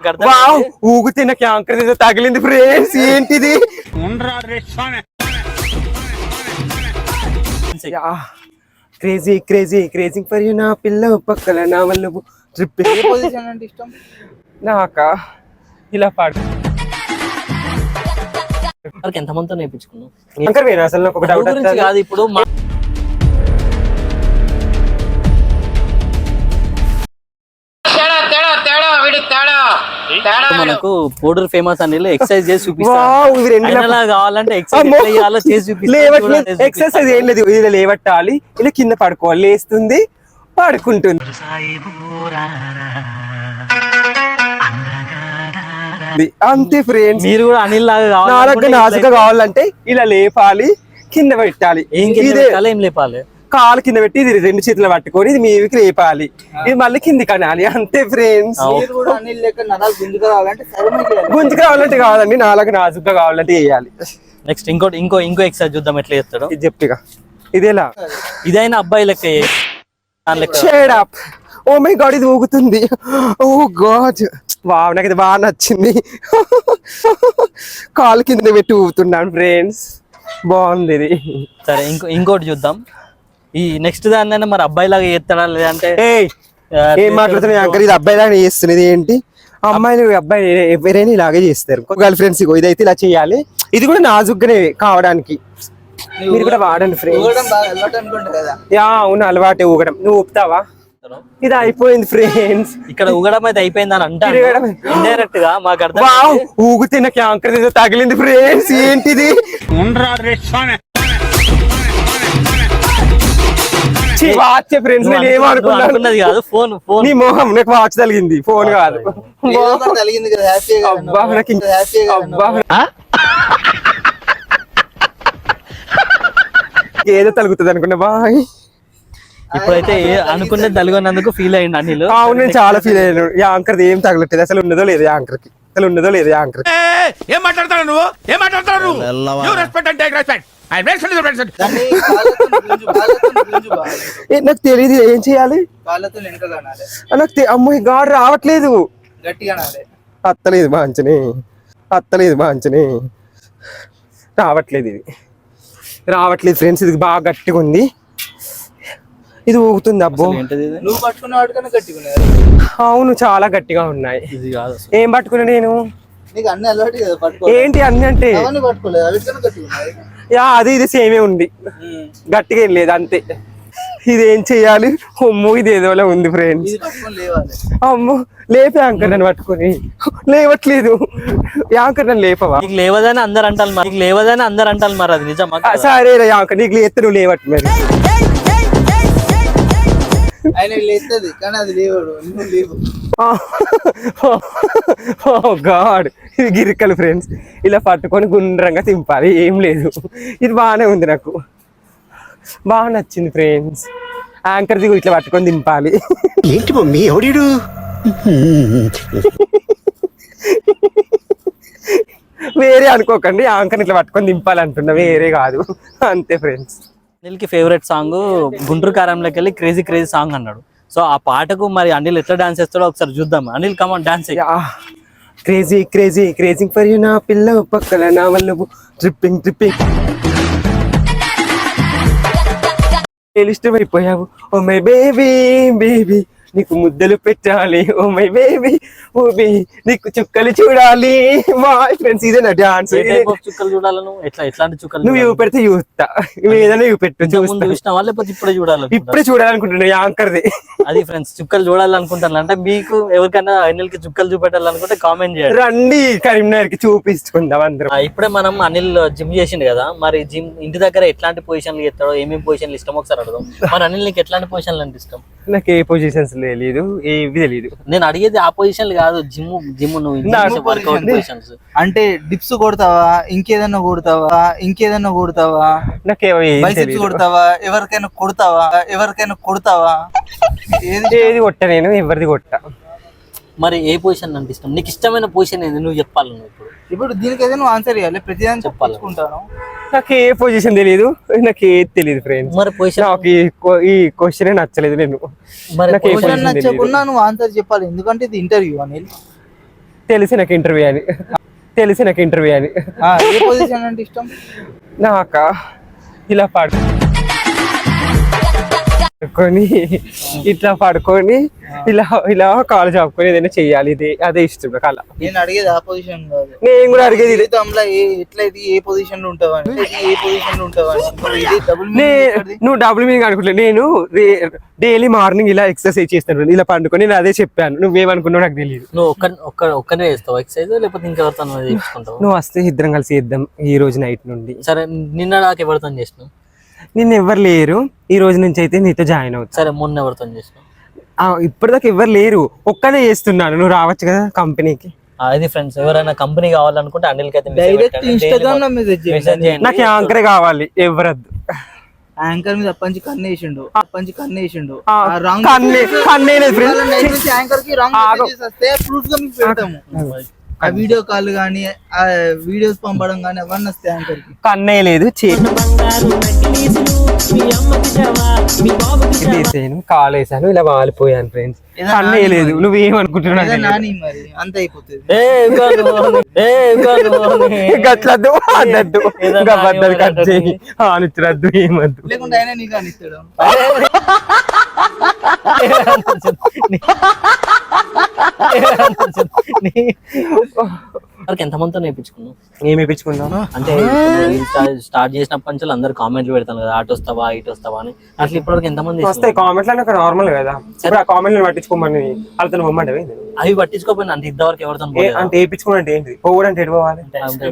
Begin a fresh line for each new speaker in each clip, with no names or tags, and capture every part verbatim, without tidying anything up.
అర్థం ఊగితే నాకు యాంకర్ ఏదో తగిలింది ఫ్రెండ్స్. ఏంటిది? Crazy crazy craving for you నా పిల్ల పక్కల నా వల్ల ట్రిప్.
ఏ పొజిషన్ అంటే ఇష్టం
నాకా ఇలా పాడు.
ఎంత మందితో నేర్పించుకున్నావు
యాంకర్ వేనా అసలు? నాకు ఒక డౌట్
కాదు. ఇప్పుడు మనకు పౌడర్ ఫేమస్ అని ఎక్సర్సైజ్ చేసి చూపిస్తాను కావాలంటే ఎక్సర్సైజ్ చేసి చూపిస్తాను.
ఎక్సర్సైజ్ ఏం లేదు, ఇలా లేవట్టాలి, ఇలా కింద పడుకోవాలి, లేస్తుంది పడుకుంటుంది అంతే ఫ్రెండ్స్.
మీరు కూడా అనిల్ లాగా
నాజుగా కావాలంటే ఇలా లేపాలి, కింద పెట్టాలి.
ఏం లేపాలి?
కాలు కింద పెట్టి ఇది రెండు చేతులు పట్టుకొని ఇది మీదికి లేపాలి, ఇది మళ్ళీ కింది కనాలి. అంతే ఫ్రెండ్స్. గుంజుకు రావాలంటే కావాలండి, నాలుగు నాజుగా కావాలంటే వేయాలి.
నెక్స్ట్ ఇంకోటి ఇంకో ఇంకో ఎక్సర్సైజ్ చూద్దాం ఎట్లా చేస్తాడు.
ఇది చెప్పిగా ఇదేలా
ఇదైనా అబ్బాయి లెక్క.
Shut up. Oh my god ఇది ఊగుతుంది. ఓ గాడ్ వావ్, నాకు ఇది బాగా నచ్చింది. కాలు కింద పెట్టి ఊగుతున్నాను ఫ్రెండ్స్, బాగుంది ఇది.
సరే ఇంకో ఇంకోటి చూద్దాం. ఈ నెక్స్ట్ దాన్ని మరి అబ్బాయి లాగా చేస్తాడా లేదంటే
ఏం మాట్లాడుతున్నా అంకర్? ఇది అబ్బాయి లాగా చేస్తున్నది ఏంటి? అమ్మాయిలు అబ్బాయి ఎవరైనా ఇలాగే చేస్తారు. గర్ల్ ఫ్రెండ్స్ ఇగో ఇదైతే ఇలా చేయాలి, ఇది కూడా నాజుగ్గానే కావడానికి. మీరు కూడా వాడండి ఫ్రెండ్స్. యా అవును, అలవాటే ఊగడం. నువ్వు ఊపుతావా? ఇది అయిపోయింది ఫ్రెండ్స్.
ఇక్కడ ఊగడం అయితే అయిపోయింది అని అంటారు ఇండైరెక్ట్ గా. మాకు అర్థం
ఊగితే నాకు యాంకర్ ఏదో తగిలింది ఫ్రెండ్స్. ఏంటిది?
ఏమనుకున్నది కాదు, ఫోన్ ఫోన్
నీ మొహం. నాకు వాచ్ తగిలింది, ఫోన్ కాదు. ఏదో తలుగుతుంది అనుకున్నా బాయ్.
ఇప్పుడైతే అనుకున్నది తలుగున్నందుకు ఫీల్ అయ్యింది అనిల్.
అవును, నేను చాలా ఫీల్ అయ్యాను. యాంకర్ ఏం తగలట్లేదు, అసలు ఉన్నదో లేదు యాంకర్ కి, అసలు ఉన్నదో లేదు యాంకర్.
ఏం మాట్లాడతాడు నువ్వు? ఏం మాట్లాడతాడు?
నాకు తెలియదు ఏం చేయాలి. నాకు అమ్మో గాడు రావట్లేదు, అత్తలేదు బాంచని, అత్తలేదు బాంచని, రావట్లేదు, ఇది రావట్లేదు ఫ్రెండ్స్. ఇది బాగా గట్టిగా ఉంది, ఇది ఊగుతుంది. అబ్బో అవును, చాలా గట్టిగా ఉన్నాయి. ఏం పట్టుకున్నా నేను? ఏంటి అన్ని అంటే యా అది ఇది సేమే ఉంది, గట్టిగా ఏం లేదు అంతే. ఇదేం చెయ్యాలి? అమ్మో ఇది ఏదోలా ఉంది ఫ్రెండ్స్. అమ్మో లేపే యాంకర్ నన్ను పట్టుకొని, లేవట్లేదు యాంకర్ నన్ను లేపవా?
నీకు లేవదని అందరు అంటారు, నీకు లేవదని అందరు అంటారు. మరి అది నిజమా?
సరే యాంకర్ నీకు లేస్తే నువ్వు లేవట్టు మరి. గాడ్ ఇది గిరికలు ఫ్రెండ్స్, ఇలా పట్టుకొని గుండ్రంగా తింపాలి, ఏం లేదు. ఇది బాగానే ఉంది, నాకు బాగా నచ్చింది ఫ్రెండ్స్. యాంకర్ దిగు ఇట్లా పట్టుకొని దింపాలి.
ఏంటి మమ్మీ ఎవడు?
వేరే అనుకోకండి, యాంకర్ ఇట్లా పట్టుకొని దింపాలి అంటున్నా, వేరే కాదు. అంతే ఫ్రెండ్స్.
అనిల్ కి ఫేవరెట్ సాంగ్ గుంటూరు కారంలోకి వెళ్ళి క్రేజీ క్రేజీ సాంగ్ అన్నాడు. సో ఆ పాటకు మరి అనిల్ ఎట్లా డాన్స్ చేస్తాడో ఒకసారి చూద్దాం. Anil come on dance.
Crazy crazy craving for you నా పిల్ల పక్కల నా వల్ల ట్రిప్పింగ్ ట్రిప్పింగ్ ఇష్టమైపోయావు. ఓ మై బేబీ బేబీ నీకు ముద్దలు పెట్టాలి, ఓ మై బేబీ ఓబీ నీకు చుక్కలు చూడాలి. మా ఫ్రెండ్స్ ఇదే నా డాన్స్.
చుక్కలు చూడాలి నువ్వు ఎట్లా ఎట్లాంటి చుక్కలు?
నువ్వు ఇవి పెడితే చూస్తా, ఏదైనా ఇవి పెట్టు.
చూసినావా లేకపోతే ఇప్పుడే చూడాలి?
ఇప్పుడే చూడాలనుకుంటున్నా యాంకర్ది.
అది ఫ్రెండ్స్, చుక్కలు చూడాలనుకుంటాను అంటే మీకు ఎవరికైనా అనిల్ కి చుక్కలు చూపెట్టాలనుకుంటే కామెంట్ చేయండి.
రండి కరీంనగర్ కి చూపించుకుందాం అందరం.
ఇప్పుడే మనం అనిల్ జిమ్ చేసిండు కదా, మరి జిమ్ ఇంటి దగ్గర ఎట్లాంటి పొజిషన్లు చేస్తాడో, ఏమేమి పొజిషన్లు ఇష్టం ఒకసారి అడుగుదాం. మరి అనిల్ నీకు ఎట్లాంటి పొజిషన్లు అంటే ఇష్టం? నాకు ఏ పొజిషన్స్ తెలియదు, ఏవి తెలియదు. నేను అడిగేది ఆ పొజిషన్ కాదు, జిమ్ జిమ్ నువ్వు వర్కౌట్ పొజిషన్స్ అంటే డిప్స్ కొడతావా, ఇంకేదన్నా కొడతావా, ఇంకేదన్నా కొడతావా, బైసెప్స్ కొడతావా, ఎవరికైనా కొడతావా, ఎవరికైనా కొడతావా? ఏది కొట్ట నేను, ఎవరిది కొట్ట. మరి ఏ పొజిషన్ అంటే ఇష్టం? నీకు ఇష్టమైన పొజిషన్ ఏంది నువ్వు చెప్పాలి. నువ్వు ఇప్పుడు ఇప్పుడు దీనికి ఏదైనా నువ్వు ఆన్సర్ ఇవ్వాలి, ప్రతిదాన్ని చెప్పాలనుకుంటాను. నాకు ఏ పొజిషన్ తెలియదు, నాకు ఏది తెలియదు ఫ్రెండ్స్. మరి పొజిషన్ నాకు ఈ క్వశ్చన్ నచ్చలేదు. నేను మరి నచ్చకుండా నువ్వు ఆన్సర్ చెప్పాలి, ఎందుకంటే ఇది ఇంటర్వ్యూ. అనిల్
తెలిసి నాకు ఇంటర్వ్యూ అని తెలిసి నాకు ఇంటర్వ్యూ అని
ఆ, ఏ పొజిషన్ అంటే ఇష్టం?
నాక ఇలా పడుకొని ఇట్లా పడుకొని ఇలా ఇలా కాలు చాపుకొని ఏదైనా చెయ్యాలి, ఇది అదే ఇష్టం నాకు. అలా
నేను అడిగేది ఆ పొజిషన్ కాదు,
నేను కూడా అడిగేది ఇదే.
జీవితంలో ఏ ఎట్లా ఇది ఏ పొజిషన్ లో ఉంటావని, ఏ పొజిషన్ లో ఉంటావని. ఇది డబుల్
నే నువ్వు డబుల్ మీనింగ్ అనుకుంటా. నేను డైలీ మార్నింగ్ ఇలా ఎక్సర్సైజ్ చేస్తాను, ఇలా పండుకొని నేను అదే చెప్పాను. నువ్వేమనుకున్నావు నాకు తెలియదు.
నువ్వు ఒక్క ఒక్క ఒక్కనే చేస్తావు ఎక్సర్సైజ్, లేకపోతే ఇంకెవరితో చేసుకుంటావు?
నువ్వు వస్తే ఇద్దరం కలిసి చేద్దాం ఈ రోజు నైట్ నుండి.
సరే, నిన్న నాకు ఎవరితో చేసినావు?
నిన్ను ఎవరు లేరు, ఈ రోజు నుంచి అయితే నీతో జాయిన్ అవుతా.
సరే, మొన్న ఎవరితో చేసినావు?
ఇప్పటిదాకా ఎవరు లేరు, ఒక్కనే చేస్తున్నాను. నువ్వు రావచ్చు కదా కంపెనీకి.
అది ఫ్రెండ్స్, ఎవరైనా కంపెనీ కావాలనుకుంటే అనిల్ అయితే
డైరెక్ట్ ఇన్స్టాగ్రామ్ లో మెసేజ్ చేయండి.
నాకు యాంకరే కావాలి, ఎవరద్దు.
యాంకర్ మీద పంచి కన్నేసిండు పంచి కన్నేసిండు
ఆ, కన్నే కన్నేలేదు ఫ్రెండ్.
యాంకర్ కి రాంగ్ మెసేజెస్ వస్తే ప్రూఫ్ గా మీకు పెడతాము. ఆ వీడియో కాల్ గానీ ఆ వీడియోస్ పంపడం గానీ అవన్నీ వస్తాయి యాంకర్ కి.
కన్నేయలేదు, చేసాను, కాల్ వేసాను, ఇలా వాలిపోయాను ఫ్రెండ్స్. కన్నేయలేదు, నువ్వేమనుకుంటున్నావు?
నాని మరి అంత అయిపోతుంది.
గట్లద్దు అన్నద్దు గద్దలు కట్ చేయి అనుచరద్దు, ఏమద్దు.
లేకుంటే ఆయన నీకు అనిస్తాడు.
ఎంత మందితో నేర్పించుకున్నావు?
ఏమి వేయించుకున్నాను
అంటే స్టార్ట్ చేసినప్పటి నుంచి అందరు కామెంట్లు పెడతాను కదా, అటు వస్తావా ఇటు వస్తావా అని. అట్లా ఇప్పటివరకు ఎంత మంది
వస్తాయి కామెంట్లు? అంటే నార్మల్ కదా. ఇప్పుడు ఆ కామెంట్లు పట్టించుకోమని వాళ్ళతో పొమ్మంటే
అవి పట్టించుకోపోయినా అంటే ఇంతవరకు ఎవరితో
అంటే వేయించుకోవాలంటే ఏంటి? పోవడంటే ఎటు పోవాలి?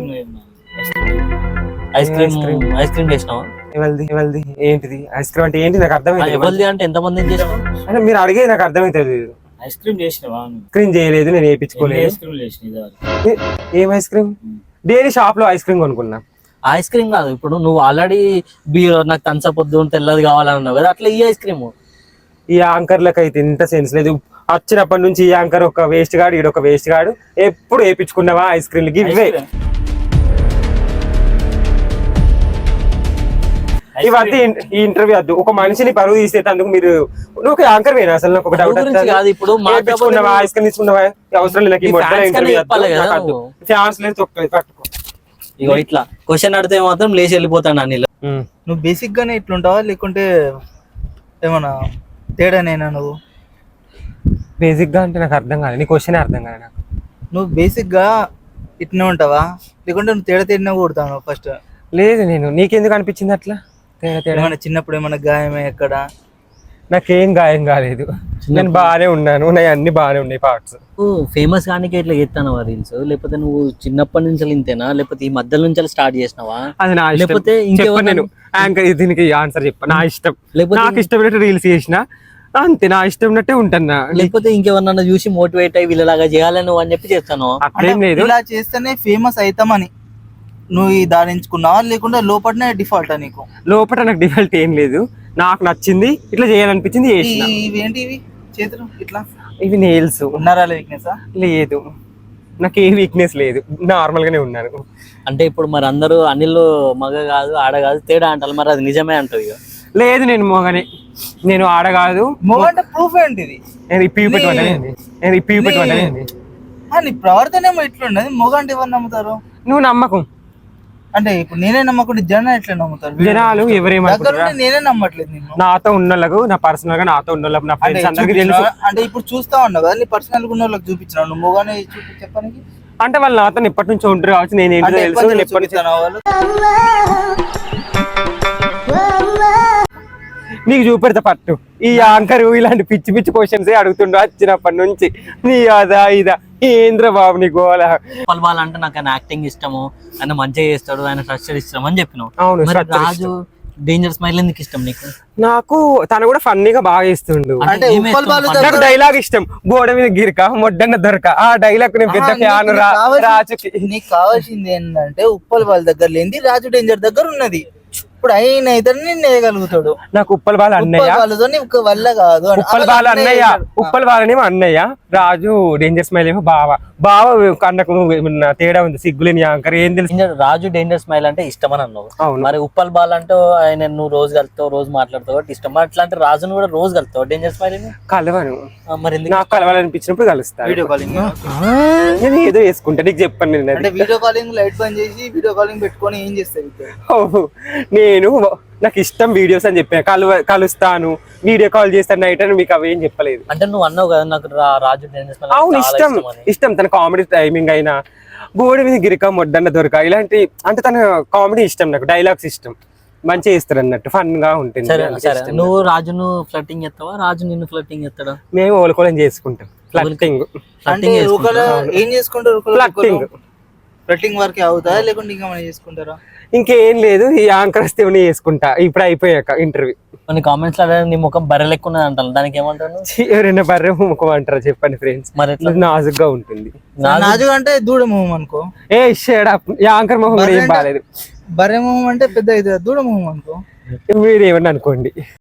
ఐస్ క్రీమ్ ఐస్ క్రీమ్ చేసినావా?
ఎవరిది ఎవరిది ఏంటిది ఐస్ క్రీమ్ అంటే ఏంటి నాకు అర్థమైంది.
ఎవరిది అంటే ఎంత మంది చేసినావు?
అంటే మీరు అడిగేది నాకు అర్థమైతుంది.
ఐస్ క్రీమ్ చేసినవా?
క్రీమ్ చేయలేదు, నేను వేయించుకోలేదు.
ఐస్ క్రీమ్ చేసిన
ఏం ఐస్ క్రీమ్? డైలీ షాప్ లో ఐస్ క్రీమ్ కొనుక్కున్నా.
ఐస్ క్రీమ్ కాదు, ఇప్పుడు నువ్వు ఆల్రెడీ బీర్ నాకు తంచపొద్దు తెల్లది కావాలన్నావు కదా, అట్లా ఈ ఐస్ క్రీమ్.
ఈ యాంకర్లకు అయితే ఇంత సెన్స్ లేదు. వచ్చినప్పటి నుంచి ఈ యాంకర్ ఒక వేస్ట్ గాడు, ఈడు ఒక వేస్ట్ గాడు. ఎప్పుడు వేయించుకున్నావా ఐస్ క్రీమ్లకి? ఇవే ఇవన్నీ ఈ ఇంటర్వ్యూ వద్దు. ఒక మనిషిని పరువు తీసేటందుకు మీరు నువ్వు ఒక యాంకర్ వేనా? అసలు నాకు ఒక డౌట్
కాదు. ఇప్పుడు
వేయించుకున్నావా ఐస్ క్రీమ్ తీసుకున్నావా? అవసరం లేదు నాకు ఇంటర్వ్యూ ఫ్యాన్స్ లేదు. పట్టుకో
ఇగో ఇట్లా క్వశ్చన్ అడితే మాత్రం లేచి వెళ్ళిపోతాను అనిల్.
నువ్వు బేసిక్ గానే ఇట్లుంటావా లేకుంటే ఏమన్నా తేడానేనా? నువ్వు
బేసిక్ గా అంటే నాకు అర్థం కాదు, నీ క్వశ్చన్ అర్థం కాదు నాకు.
నువ్వు బేసిక్ గా ఇట్నే ఉంటావా లేకుంటే నువ్వు తేడా తేడినా కొడతావు? ఫస్ట్
లేదు, నేను నీకెందుకు అనిపించింది అట్లా తేడా తేడా?
ఏమన్నా చిన్నప్పుడు ఏమన్నా గాయమే ఎక్కడ?
నాకేం గాయం కాలేదు, నేను బాగానే ఉన్నాను, ఉన్నాయి అన్ని బాగానే ఉన్నాయి పార్ట్స్.
ఫేమస్ కానీ ఇట్లా చేస్తాను రీల్స్, లేకపోతే నువ్వు చిన్నప్పటి నుంచి ఇంతేనా, లేకపోతే ఈ మధ్యలో నుంచి స్టార్ట్ చేసినావా?
అది నా ఇష్టం.
లేకపోతే
నేను యాంకర్ దీనికి ఆన్సర్ చెప్పా, నా ఇష్టం. నాకు ఇష్టమైనట్టు రీల్స్ చేసిన అంతే, నా ఇష్టం ఉన్నట్టే ఉంటాను.
లేకపోతే ఇంకెవరన్నా చూసి మోటివేట్ అయ్యి వీళ్ళలాగా చేయాలని అని చెప్పి చేస్తాను.
అట్లేం లేదు,
ఇలా చేస్తేనే ఫేమస్ అవుతామని నువ్వు ఈ దారించుకున్నావా లేకుంటే లోపలనే డిఫాల్ట్ నీకు?
లోపల నాకు డిఫాల్ట్ ఏం లేదు, నాకు నచ్చింది ఇట్లా చేయాలనిపించింది చేసిన.
ఇవేంటి ఇవి చేతులు ఇట్లా?
ఇవి నెయిల్స్.
ఉన్నారా వీక్నెస్?
లేదు, నాకు ఏ వీక్నెస్ లేదు, నార్మల్ గానే ఉన్నాను.
అంటే ఇప్పుడు మరి అందరూ అనిల్ మగ కాదు ఆడ కాదు తేడా అంటారు, మరి అది నిజమే అంటావు? ఇక
లేదు, నేను మోగనే, నేను ఆడ కాదు.
మోగ అంటే ప్రూఫ్ ఏంటిది?
నేను ఇప్పి పెట్టుకుంటాను, నేను ఇప్పి పెట్టుకుంటాను.
నీ ప్రవర్తన ఏమో ఇట్లుండదు. మోగ అంటే ఎవరు నమ్ముతారు?
నువ్వు నమ్మకం
అంటే ఇప్పుడు నేనే నమ్మకుండా జనం ఎట్లా నమ్ముతారు?
జనాలు ఎవరేమంటారు?
నేనే నమ్మట్లేదు నిన్ను.
నాతో ఉన్నోళ్ళకు, నా పర్సనల్ గా నాతో ఉన్నోళ్ళకు, నా ఫ్రెండ్స్ అందరికీ తెలుసు.
అంటే ఇప్పుడు చూస్తా ఉన్నావు కదా, నీ పర్సనల్ గా ఉన్న వాళ్ళకి చూపించినావు, నువ్వు మోగానే చూపి చెప్పడానికి.
అంటే వాళ్ళు నాతో ఇప్పటి నుంచి ఉంటారు కావచ్చు, నేను ఏంటో తెలుసు. నేను ఎప్పటి నుంచి
వాళ్ళు
నీకు చూపెడతా పట్టు. ఈ యాంకర్ ఇలాంటి పిచ్చి పిచ్చి క్వశ్చన్స్ అడుగుతుండ్రు వచ్చినప్పటి నుంచి. నీ అదా ఇదా ఏంద్ర బాబు నీ గోల.
పల్వాల్ అంటే నాకు ఆయన యాక్టింగ్ ఇష్టము, ఆయన మంచిగా చేస్తాడు, ఆయన స్ట్రక్చర్ ఇష్టం అని చెప్పినావు.
అవును,
రాజు డేంజర్ స్మైల్ ఎందుకు ఇష్టం నీకు?
నాకు తను కూడా ఫన్నీగా బాగా చేస్తుండు. నాకు డైలాగ్ ఇష్టం, గోడ మీద గిరిక మొడ్డన్న దొరక. ఆ డైలాగ్ నేను పెద్ద ఫ్యాన్. రాజుకి
నీకు కావాల్సింది ఏంటంటే ఉప్పల్ వాళ్ళ దగ్గర లేని రాజు డేంజర్ దగ్గర ఉన్నది. అప్పుడు ఆయన అయితే నిన్ను వేయగలుగుతాడు.
నాకు ఉప్పల్ బాల అన్నయ్య
వాళ్ళతో నీకు వల్ల కాదు అని.
ఉప్పల్ బాల అన్నయ్య ఉప్పల్ బాలనేమో అన్నయ్య, రాజు డేంజర్ స్మైల్ ఏమో బావ. బావ కన్నకు ఏమన్నా తేడా ఉంది, సిగ్గులేని యాంకర్ ఏం తెలుసు.
ఇంకా రాజు డేంజర్ స్మైల్ అంటే ఇష్టం అని అన్నావు.
అవును.
మరి ఉప్పల్ బాల్ అంటే ఆయన నువ్వు రోజు కలుతావు, రోజు మాట్లాడతావు కాబట్టి ఇష్టం. మరి అట్లాంటి రాజును కూడా రోజు కలుతావు డేంజర్ స్మైల్
కలవను,
మరి ఎందుకు
నాకు కలవాలనిపించినప్పుడు కలుస్తాను.
వీడియో కాలింగ్
నేను ఏదో వేసుకుంటా, నీకు చెప్పాను నేను అది.
అంటే వీడియో కాలింగ్ లైట్ బంద్ చేసి వీడియో కాలింగ్ పెట్టుకొని ఏం చేస్తావు?
ఓహో, నేను నాకు ఇష్టం వీడియోస్ అని చెప్పాను, కలువ కలుస్తాను వీడియో కాల్ చేస్తాను నైట్ అని. మీకు అవి ఏం చెప్పలేదు.
అంటే నువ్వు అన్నావు కదా నాకు రా- రాజు డేంజర్ స్మైల్
అవును,
చాలా
ఇష్టం
ఇష్టం అని.
ఇష్టం తన కామెడీ టైమింగ్ అయినా, గోడి మీద గిరిక మొడ్డన్న దొరక ఇలాంటి, అంటే తన కామెడీ ఇష్టం, నాకు డైలాగ్స్ ఇష్టం, మంచిగా ఇస్తారు అన్నట్టు, ఫన్ గా ఉంటుంది.
సరే
అందుకే
సరే,
ఇష్టం.
నువ్వు రాజును ఫ్లట్టింగ్ ఎత్తావా, రాజు నిన్ను ఫ్లట్టింగ్ ఎత్తాడా?
మేము ఓలుకోలం చేసుకుంటాం, ఫ్లట్టింగ్
అంటే ఒకరు ఏం చేసుకుంటారు?
ఫ్లట్టింగ్
ఫ్లట్టింగ్ వరకే అవుతారా లేకుంటే ఇంకా మనం చేసుకుంటారా?
ఇంకేం లేదు, ఈ యాంకర్ వస్తే ఇవన్నీ చేసుకుంటా ఇప్పుడు అయిపోయాక ఇంటర్వ్యూ.
కొన్ని కామెంట్స్ లో నీ ముఖం బర్రె లెక్క ఉన్నది అంటాను, దానికి ఏమంటాను?
ఎవరైనా బర్రె ముఖం అంటారా చెప్పండి ఫ్రెండ్స్,
మరి ఎట్లా?
నాజుగ్గా ఉంటుంది.
నాజుగా అంటే దూడ మొహం అనుకో.
ఏ షేడ్ యాంకర్ మొహం కూడా ఏం బాగాలేదు.
బర్రె మొహం అంటే పెద్ద అవుతుంది, దూడ మొహం అనుకో.
మీరు ఏమన్నా అనుకోండి.